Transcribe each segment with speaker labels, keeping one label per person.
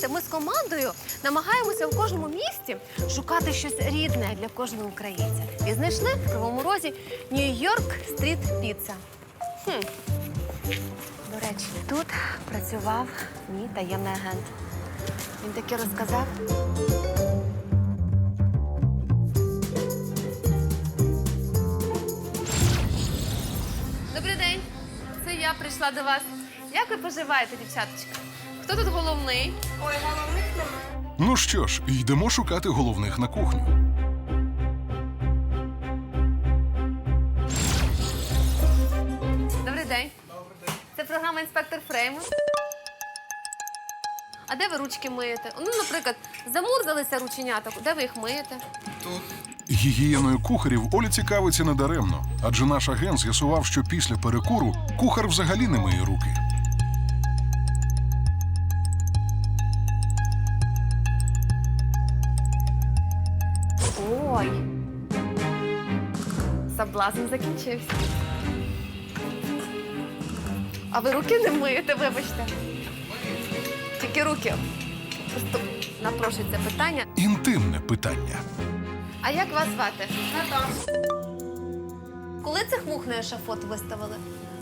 Speaker 1: знаєте, ми з командою намагаємося в кожному місті шукати щось рідне для кожного українця. І знайшли в Кривому Розі Нью-Йорк стріт піца. До речі, тут працював мій таємний агент. Він таке розказав. Добрий день. Це я прийшла до вас. Як ви поживаєте, дівчаточка? Хто тут головний?
Speaker 2: Ой, головних немає.
Speaker 3: Ну що ж, йдемо шукати головних на кухню.
Speaker 1: Добрий день. Це програма «Інспектор Фрейму». А де ви ручки миєте? Ну, наприклад, замурзалися рученята. Де ви їх миєте?
Speaker 3: Гігієною кухарів Оля цікавиться недаремно, адже наш агент з'ясував, що після перекуру кухар взагалі не миє руки.
Speaker 1: Ой. Соблазн закінчився. А ви руки не миєте, вибачте? Тільки руки. Просто напрошується питання.
Speaker 3: Інтимне питання.
Speaker 1: А як вас звати?
Speaker 2: Наташа.
Speaker 1: Коли цих мух на ешафот виставили?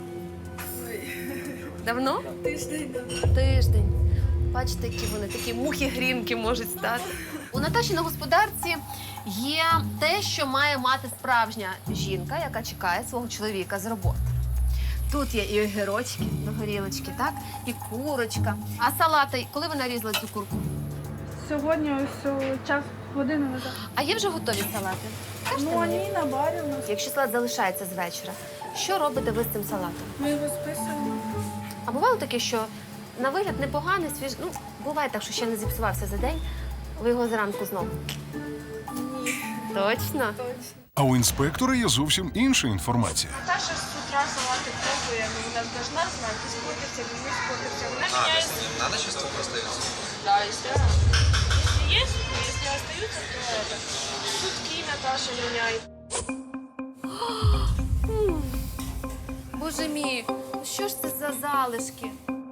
Speaker 1: Давно?
Speaker 2: Тиждень.
Speaker 1: Тиждень. Бачите, які вони, такі мухи-грінки можуть стати. У Наташі на господарці є те, що має мати справжня жінка, яка чекає свого чоловіка з роботи. Тут є і огірочки до горілочки, так? І курочка. А салати, коли ви нарізали цю курку?
Speaker 2: Сьогодні ось час, годину назад.
Speaker 1: А є вже готові салати? Кажете
Speaker 2: Ну,
Speaker 1: мені?
Speaker 2: вони на барі у нас.
Speaker 1: Якщо салат залишається з вечора, що робите ви з цим салатом?
Speaker 2: Ми його списуємо.
Speaker 1: А бувало таке, що на вигляд непоганий, свіжий, ну, буває так, що ще не зіпсувався за день, ви його зранку знову.
Speaker 2: Ні,
Speaker 1: Точно?
Speaker 2: точно.
Speaker 3: А у інспектора є зовсім інша інформація.
Speaker 2: Наташа з утра салати пробує, ну, вона должна знати, спортиться, не спортиться. Вона меняет.
Speaker 4: С ним надо часто остается?
Speaker 2: Да, если есть, если остаются, то это. Сутки Наташа меняет.
Speaker 1: Боже мій, ну що ж це за залишки?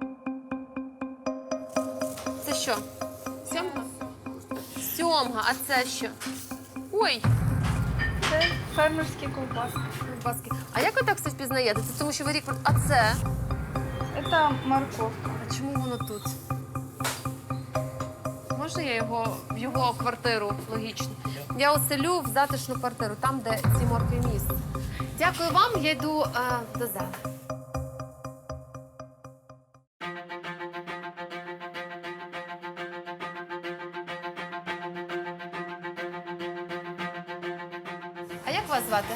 Speaker 1: Це що? Сьомга? Сьомга, а це що? Ой,
Speaker 2: Це фермерські ковбаски.
Speaker 1: ковбаски. А як ви так все впізнаєте? Це тому, що ви рік... А це?
Speaker 2: Це морковка.
Speaker 1: А чому воно тут? Можна я його в його квартиру, логічно? Я оселю в затишну квартиру, там, де ці моркві місце. Дякую вам, я йду до зали. А як вас звати?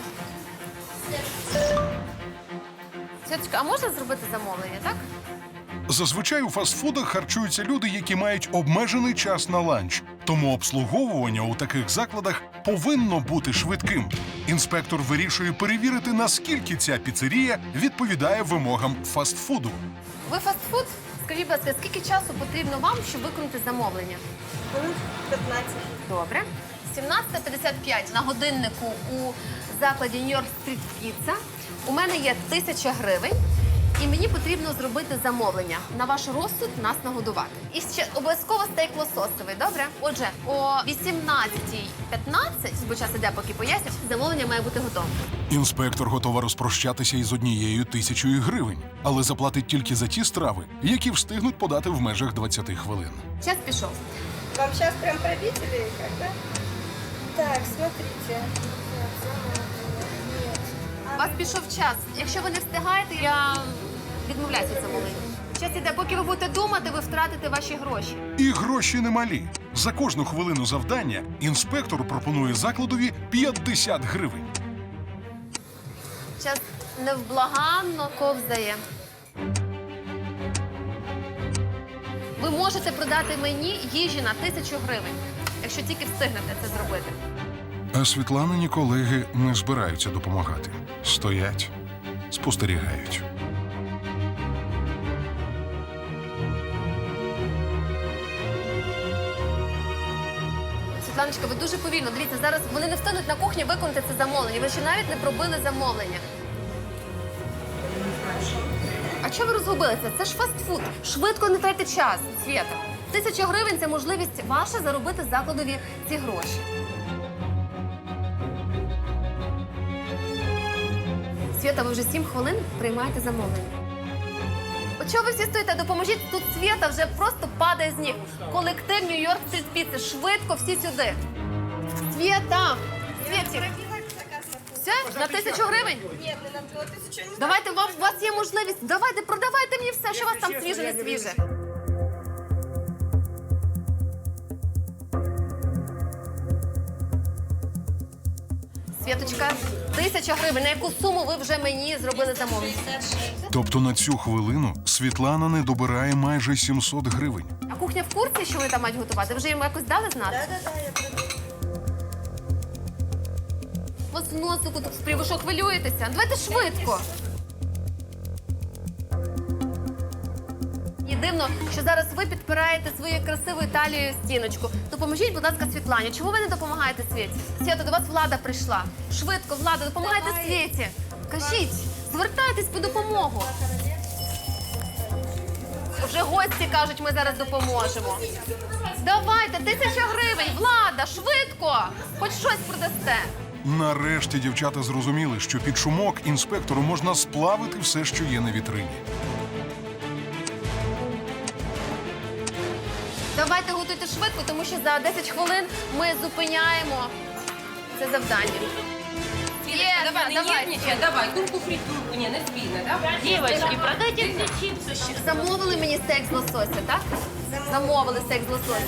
Speaker 1: Святочка, а можна зробити замовлення, так?
Speaker 3: Зазвичай у фастфудах харчуються люди, які мають обмежений час на ланч. Тому обслуговування у таких закладах повинно бути швидким. Інспектор вирішує перевірити, наскільки ця піцерія відповідає вимогам фастфуду.
Speaker 1: Ви фастфуд? Скажіть, будь ласка, скільки часу потрібно вам, щоб виконати замовлення?
Speaker 2: Хвилин 15.
Speaker 1: Добре. 17:55 на годиннику у закладі Нью-Йорк стріт піца. У мене є 1000 гривень, і мені потрібно зробити замовлення. На ваш розсуд нас нагодувати. І ще обов'язково стейк лососовий, добре? Отже, о 18:15, бо час іде, поки поясню, замовлення має бути готове.
Speaker 3: Інспектор готова розпрощатися із 1000 гривень, але заплатить тільки за ті страви, які встигнуть подати в межах 20 хвилин.
Speaker 1: Час пішов.
Speaker 2: Вам сейчас прям пробить или как, да? Так, смотрите.
Speaker 1: У вас пішов час. Якщо ви не встигаєте, я відмовляюся від замовлення. Час іде, поки ви будете думати, ви втратите ваші гроші.
Speaker 3: І гроші немалі. За кожну хвилину завдання інспектор пропонує закладові 50 гривень.
Speaker 1: Час невблаганно ковзає. Ви можете продати мені їжі на 1000 гривень, якщо тільки встигнете це зробити.
Speaker 3: А Світланині колеги не збираються допомагати. Стоять, спостерігають.
Speaker 1: Світланочка, ви дуже повільно. Дивіться, зараз вони не встануть на кухні виконати це замовлення. Ви ще навіть не пробили замовлення. А чого ви розгубилися? Це ж фастфуд. Швидко не тратьте час, Свєта. 1000 гривень – це можливість ваша заробити закладові ці гроші. Свята, ви вже 7 хвилин приймаєте замовлення. От чого ви всі стоїте? Допоможіть, тут Свята вже просто падає з ніг. Колектив Нью-Йорк Стріт Піци. Швидко всі сюди. Свята! Світі! Все? На 1000 гривень?
Speaker 2: Нет, не на 1000.
Speaker 1: Давайте, у вас є можливість. Давайте, продавайте мені все, що у вас там свіже, не свіже. Світочка, 1000 гривень. На яку суму ви вже мені зробили замовлення?
Speaker 3: Тобто на цю хвилину Світлана не добирає майже 700 гривень.
Speaker 1: А кухня в курсі, що вони там мають готувати? Ви вже їм якось дали знати?
Speaker 2: Да, я приду.
Speaker 1: У вас в носику тут спрів, ви що, хвилюєтеся? Давайте швидко. Мені дивно, що зараз ви підпираєте своєю красивою талією стіночку. Допоможіть, будь ласка, Світлані. Чому ви не допомагаєте Світі? Свята, до вас Влада прийшла. Швидко, Влада, допомагайте Світі. Кажіть, звертайтесь по допомогу. Вже гості кажуть, ми зараз допоможемо. Давайте, 1000 гривень, Влада, швидко! Хоч щось продасте.
Speaker 3: Нарешті дівчата зрозуміли, що під шумок інспектору можна сплавити все, що є на вітрині.
Speaker 1: Давайте готуйте швидко, тому що за 10 хвилин ми зупиняємо це завдання.
Speaker 4: Давай, не нервничай, давай, курку фритюрку, не спина, да?
Speaker 1: Дівчатки, продайте мені чіпси. Замовили мені стейк з лосося, так? Замовили стейк з лосося.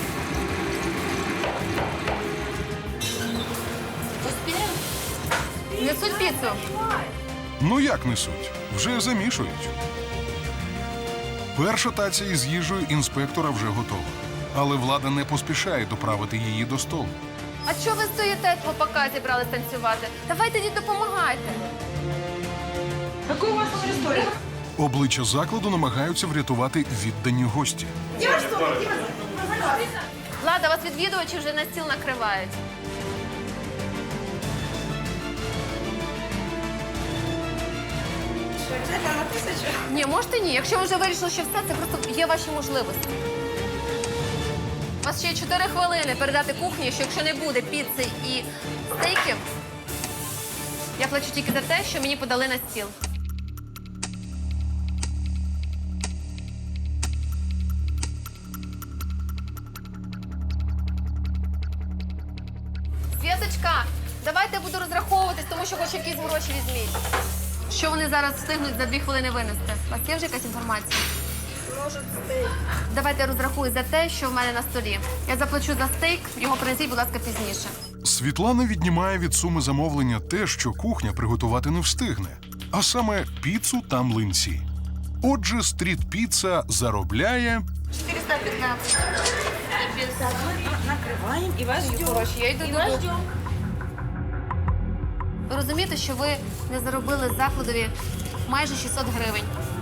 Speaker 1: Несуть піцу.
Speaker 3: Ну як несуть? Вже замішують. Перша таця із їжею інспектора вже готова. Але влада не поспішає доправити її до столу.
Speaker 1: А чого ви стоїте, хлопака зібрались танцювати? Давайте їй допомагайте.
Speaker 4: Какой у вас ресторан?
Speaker 3: Обличчя закладу намагаються врятувати віддані гості.
Speaker 1: Влада, вас відвідувачі вже на стіл накривають.
Speaker 2: Что, обязательно на 1000?
Speaker 1: Ні, можете ні. Якщо ви вже вирішили, що все, це просто є ваші можливості. У вас ще є 4 хвилини передати кухні, що якщо не буде піци і стейків, я плачу тільки за те, що мені подали на стіл. Світочка, давайте я буду розраховуватись, тому що хоч якісь гроші візьміть. Що вони зараз встигнуть за 2 хвилини винести? У вас є вже якась інформація?
Speaker 2: Может, стейк.
Speaker 1: Давайте я розрахую за те, що в мене на столі. Я заплачу за стейк, його принесіть, будь ласка, пізніше.
Speaker 3: Світлана віднімає від суми замовлення те, що кухня приготувати не встигне, а саме піцу та млинці. Отже, стріт-піца заробляє
Speaker 1: 415.
Speaker 2: Накрываем и вас ждем.
Speaker 1: Хороші, я йду
Speaker 2: И вас
Speaker 1: додому.
Speaker 2: ждем.
Speaker 1: Ви розумієте, що ви не заробили закладові майже 600 гривень.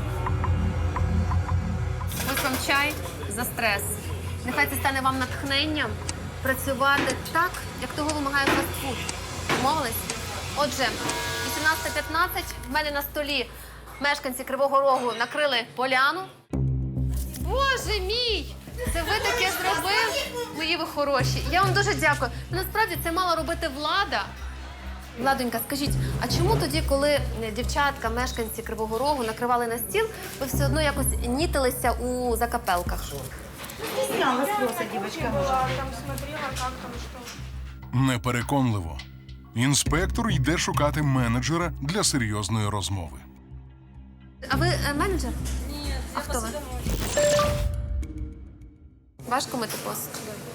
Speaker 1: Ось вам чай за стрес. Нехай це стане вам натхненням працювати так, як того вимагає фастфуд. Домовились? Отже, 18:15 в мене на столі мешканці Кривого Рогу накрили поляну. Боже мій! Це ви таке зробили? Мої ви хороші. Я вам дуже дякую. Насправді це мала робити влада. Владонька, скажіть, а чому тоді, коли дівчатка, мешканці Кривого Рогу накривали на стіл, ви все одно якось нітилися у закапелках?
Speaker 2: Стеснялась просто девочка. Там смотрела, как там что.
Speaker 3: непереконливо. Інспектор йде шукати менеджера для серйозної розмови.
Speaker 1: А ви менеджер?
Speaker 2: Нет,
Speaker 1: А хто ви? Важко мити посуд?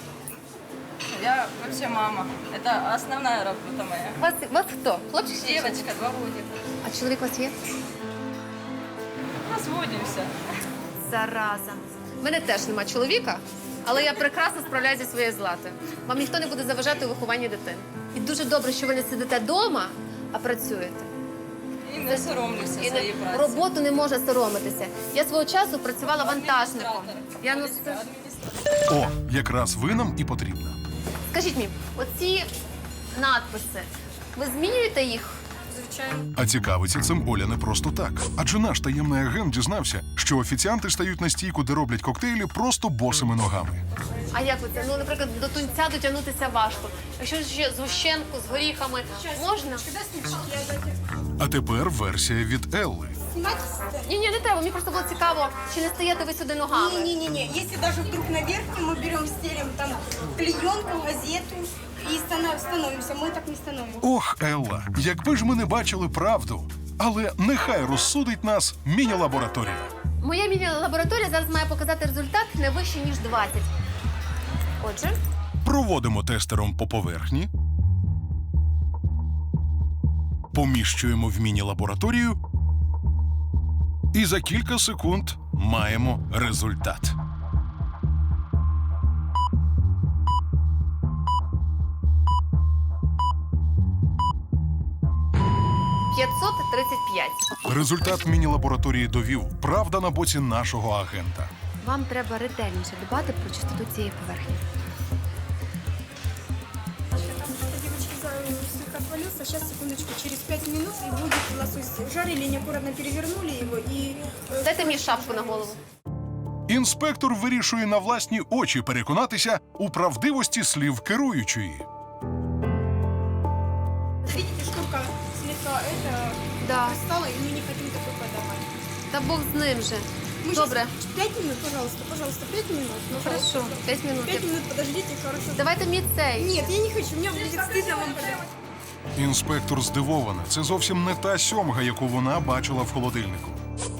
Speaker 4: Я вообще мама. Это основная работа моя.
Speaker 1: Вас хто? Хлопчик? чи дівчинка?
Speaker 4: Девочка, 2 годика.
Speaker 1: А чоловік у вас є?
Speaker 4: Разводимся.
Speaker 1: Зараза. В мене теж нема чоловіка, але я прекрасно справляюся зі своєю златою. Вам ніхто не буде заважати у вихованні дитини. І дуже добре, що ви не сидите вдома, а працюєте.
Speaker 4: І не соромлюся
Speaker 1: І
Speaker 4: своєї праці.
Speaker 1: роботу не може соромитися. Я свого часу працювала вантажником. Я
Speaker 3: О, якраз ви нам і потрібна.
Speaker 1: Скажіть мені, оці надписи, ви змінюєте їх
Speaker 5: изучаем.
Speaker 3: А цікавиться цим Оля не просто так. Адже наш таємний агент дізнався, що офіціанти стають на стійку, де роблять коктейлі, просто босими ногами.
Speaker 1: А як ви це? Ну, наприклад, до тунця дотягнутися важко. Якщо ще згущенку з горіхами можна?
Speaker 5: Когда стульчик я дайте
Speaker 3: А тепер версія від Елли.
Speaker 5: снимать?
Speaker 1: Ні, не треба. Мені просто було цікаво, чи не стаєте ви сюди ногами.
Speaker 5: Не-не-не, если даже вдруг наверх, мы берем, стелим там клеенку, газету и становимся. Мы так не становимся.
Speaker 3: Ох, Елла, якби ж ми не бачили правду. Але нехай розсудить нас міні-лабораторія.
Speaker 1: Моя міні-лабораторія зараз має показати результат не вище, ніж 20. Отже,
Speaker 3: Проводимо тестером по поверхні. Поміщуємо в міні-лабораторію. І за кілька секунд маємо результат.
Speaker 1: – 535.
Speaker 3: Результат міні-лабораторії довів. Правда на боці нашого агента.
Speaker 1: Вам треба ретельніше дбати про чистоту цієї поверхні.
Speaker 5: Девочки, слегка отвалился. Сейчас, секундочку, через 5 минут и будет лосось. Жарили, неаккуратно перевернули его и...
Speaker 1: Дайте мені шапку на голову.
Speaker 3: Інспектор вирішує на власні очі переконатися у правдивості слів керуючої.
Speaker 5: Видите, шкурка слегка
Speaker 1: Да.
Speaker 5: стала, и мы не хотим такой подавать.
Speaker 1: Та Бог з ним же.
Speaker 5: Мы
Speaker 1: Добре.
Speaker 5: щас 5 минут, пожалуйста, 5 минут. Ну,
Speaker 1: Хорошо, 5 минут.
Speaker 5: 5 минут подождите, хорошо.
Speaker 1: Давайте мені цей.
Speaker 5: Нет, я не хочу, мне будет стыдно вам подавать.
Speaker 3: Інспектор здивована. Це зовсім не та сьомга, яку вона бачила в холодильнику.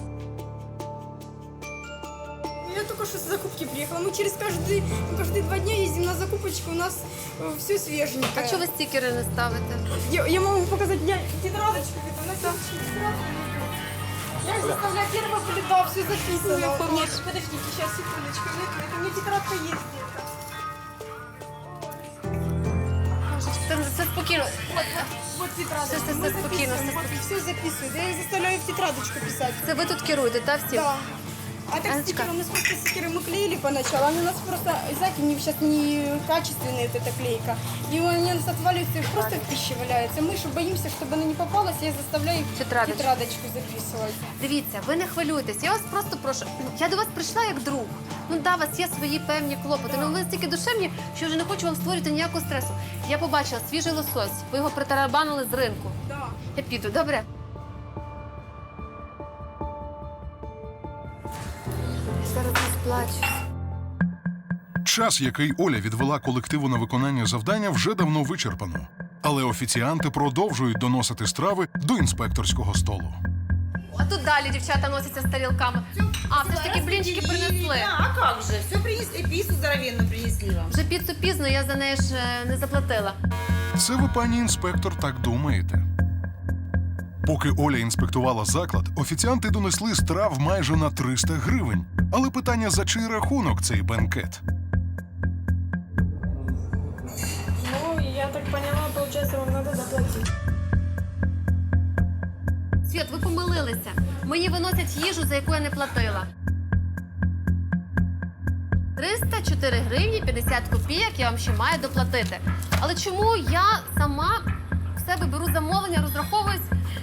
Speaker 5: Я только что с закупки приехала. Мы через каждые 2 дня ездим на закупочку, у нас все свеженькое.
Speaker 1: А чого ви стікери не ставите?
Speaker 5: Я могу показать, я тетрадочку, это на тетрадку. Я заставляю первого плита, все записано. Нет, подождите, сейчас, секундочку, это у меня тетрадка есть где-то.
Speaker 1: Це спокійно.
Speaker 5: Вот тетрадочка,
Speaker 1: Все,
Speaker 5: мы
Speaker 1: спокойно,
Speaker 5: записываем, вот и все записывают. Я их заставляю в тетрадочку писать.
Speaker 1: Це ви тут керуєте, та всім?
Speaker 5: Да. А так
Speaker 1: Анечка.
Speaker 5: стикеры, у нас просто стикеры мы клеили поначалу, они у нас просто, знаете, не, сейчас не качественные вот эта клейка. И они у нас отваливаются, их просто в пище валяются. Мы же боимся, чтобы она не попалась, я заставляю их в
Speaker 1: Тетрадочку.
Speaker 5: тетрадочку записывать.
Speaker 1: Дивіться, ви не хвилюйтесь. Я вас просто прошу. Я до вас прийшла як друг. Ну да, у вас є свої певні клопоти. Ну ви настільки душевні, що вже не хочу вам створювати ніякого стресу. Я побачила свіжий лосось. Ви його притарабанили з ринку.
Speaker 5: Да.
Speaker 1: Я піду, добре? Я зараз розплачусь.
Speaker 3: Час, який Оля відвела колективу на виконання завдання, вже давно вичерпано. Але офіціанти продовжують доносити страви до інспекторського столу.
Speaker 1: А тут далі дівчата носяться з тарілками. А, все ж таки блінчики принесли.
Speaker 6: А как же? Все принесли, пиццу здоровенную принесли вам.
Speaker 1: Вже піцу пізно, я за неї ж не заплатила.
Speaker 3: Це ви, пані інспектор, так думаєте? Поки Оля інспектувала заклад, офіціанти донесли страв майже на 300 гривень. Але питання, за чий рахунок цей бенкет?
Speaker 2: Ну, я так поняла, получается, вам надо заплатить.
Speaker 1: Світ, ви помилилися. Мені виносять їжу, за яку я не платила. 304 гривні 50 копійок я вам ще маю доплатити. Але чому я сама в себе беру замовлення, розраховуюсь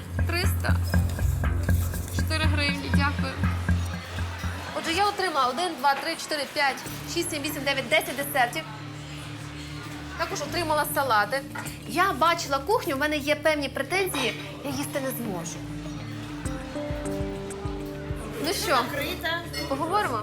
Speaker 1: 304 гривні, дякую. Отже, я отримала 1, 2, 3, 4, 5, 6, 7, 8, 9, 10 десертів. Також отримала салати. Я бачила кухню, в мене є певні претензії, я їсти не зможу. Ну що,
Speaker 6: Закрыто.
Speaker 1: поговоримо?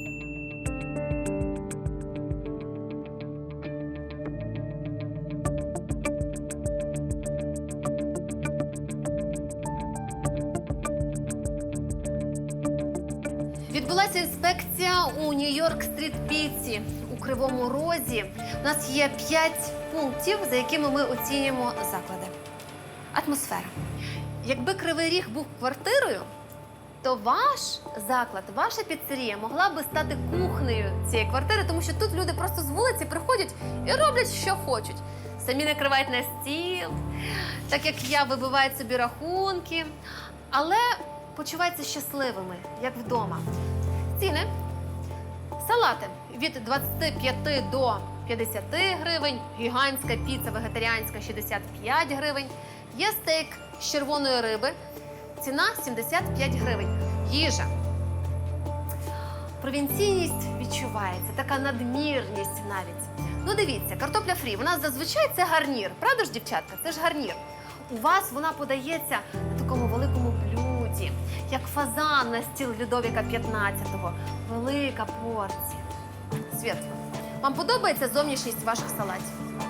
Speaker 1: Відбулася інспекція у Нью-Йорк-стріт піці у Кривому Розі. У нас є 5 пунктів, за якими ми оцінюємо заклади. Атмосфера. Якби Кривий Ріг був квартирою, то ваш заклад, ваша піцерія могла би стати кухнею цієї квартири, тому що тут люди просто з вулиці приходять і роблять, що хочуть. Самі накривають на стіл, так як я, вибивають собі рахунки, але почуваються щасливими, як вдома. Ціни. Салати від 25 до 50 гривень, гігантська піца вегетаріанська 65 гривень, Є стейк з червоної риби, ціна 75 гривень. Їжа. Провінційність відчувається, така надмірність навіть. Ну дивіться, картопля фрі, вона зазвичай це гарнір. Правда ж, дівчатка? Це ж гарнір. У вас вона подається на такому великому блюді, як фазан на стіл Людовіка XV. Велика порція. Світло, вам подобається зовнішність ваших салатів?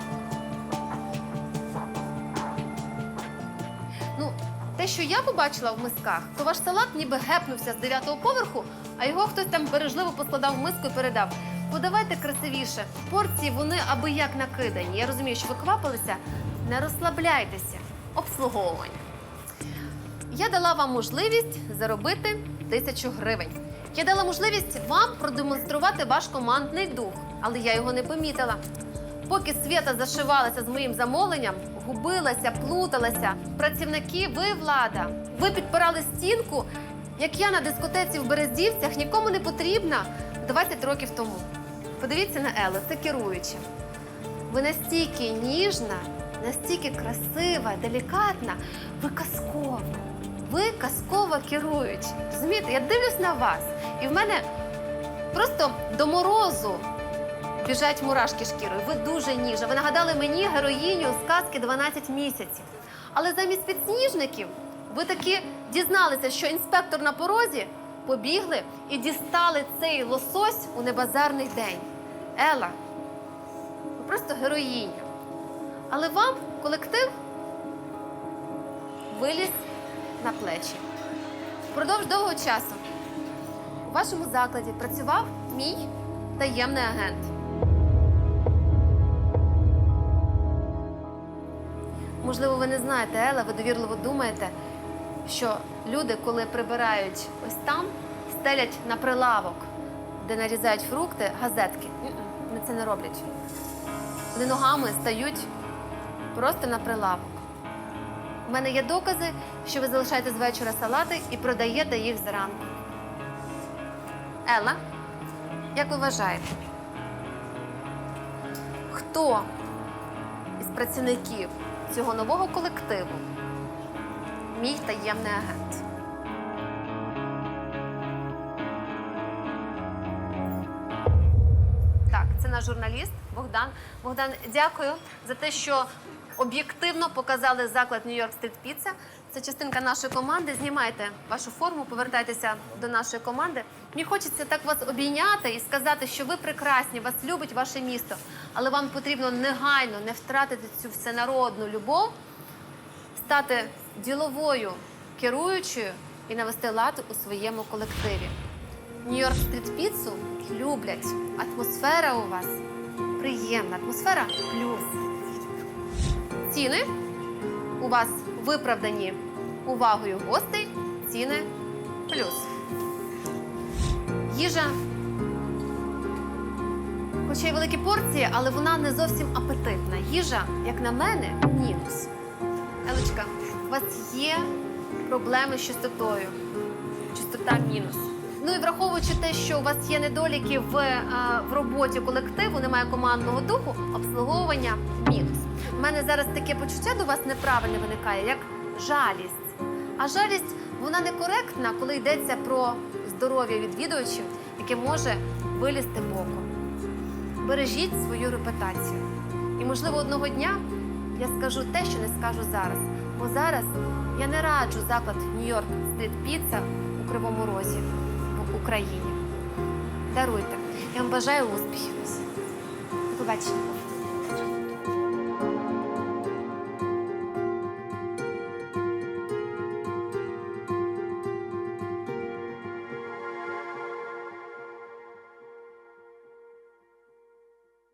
Speaker 1: Ну, те, що я побачила в мисках, то ваш салат ніби гепнувся з 9-го поверху, а його хтось там бережливо поскладав в миску і передав. Подавайте красивіше. Порції, вони аби як накидані. Я розумію, що ви квапилися. Не розслабляйтеся. Обслуговування. Я дала вам можливість заробити 1000 гривень. Я дала можливість вам продемонструвати ваш командний дух, але я його не помітила. Поки Свята зашивалася з моїм замовленням, губилася, плуталася. Працівники, ви влада. Ви підпирали стінку, як я на дискотеці в Берездівцях, нікому не потрібна 20 років тому. Подивіться на Елу, це керуюча. Ви настільки ніжна, настільки красива, делікатна, ви казкова. Ви казкова керуюча. Розумієте, я дивлюсь на вас, і в мене просто до морозу біжать мурашки шкірою. Ви дуже ніжна. Ви нагадали мені героїню сказки «12 місяців». Але замість підсніжників ви таки дізналися, що інспектор на порозі, побігли і дістали цей лосось у небазарний день. Ела, ви просто героїня. Але вам колектив виліз на плечі. Впродовж довгого часу у вашому закладі працював мій таємний агент. Можливо, ви не знаєте, Ела, ви довірливо думаєте, що люди, коли прибирають ось там, стелять на прилавок, де нарізають фрукти, газетки. Вони це не роблять. Вони ногами стають просто на прилавок. У мене є докази, що ви залишаєте з вечора салати і продаєте їх зранку. Елла, як ви вважаєте, хто із працівників цього нового колективу мій таємний агент? Так, це наш журналіст Богдан. Богдан, дякую за те, що об'єктивно показали заклад New York Street Pizza. Це частинка нашої команди. Знімайте вашу форму, повертайтеся до нашої команди. Мені хочеться так вас обійняти і сказати, що ви прекрасні, вас любить ваше місто. Але вам потрібно негайно не втратити цю всенародну любов, стати діловою керуючою і навести лад у своєму колективі. New York Street Pizza люблять. Атмосфера у вас приємна, атмосфера плюс. Ціни у вас виправдані увагою гостей, ціни плюс. Їжа, хоча й великі порції, але вона не зовсім апетитна. Їжа, як на мене, мінус. Елочка, у вас є проблеми з чистотою. Чистота мінус. Ну і враховуючи те, що у вас є недоліки в роботі колективу, немає командного духу, обслуговування мінус. У мене зараз таке почуття до вас неправильне виникає, як жалість. А жалість, вона некоректна, коли йдеться про здоров'я відвідувачів, яке може вилізти боком. Бережіть свою репутацію. І, можливо, одного дня я скажу те, що не скажу зараз. Бо зараз я не раджу заклад New York Street Pizza у Кривому Розі в Україні. Даруйте. Я вам бажаю успіхів. До побачення.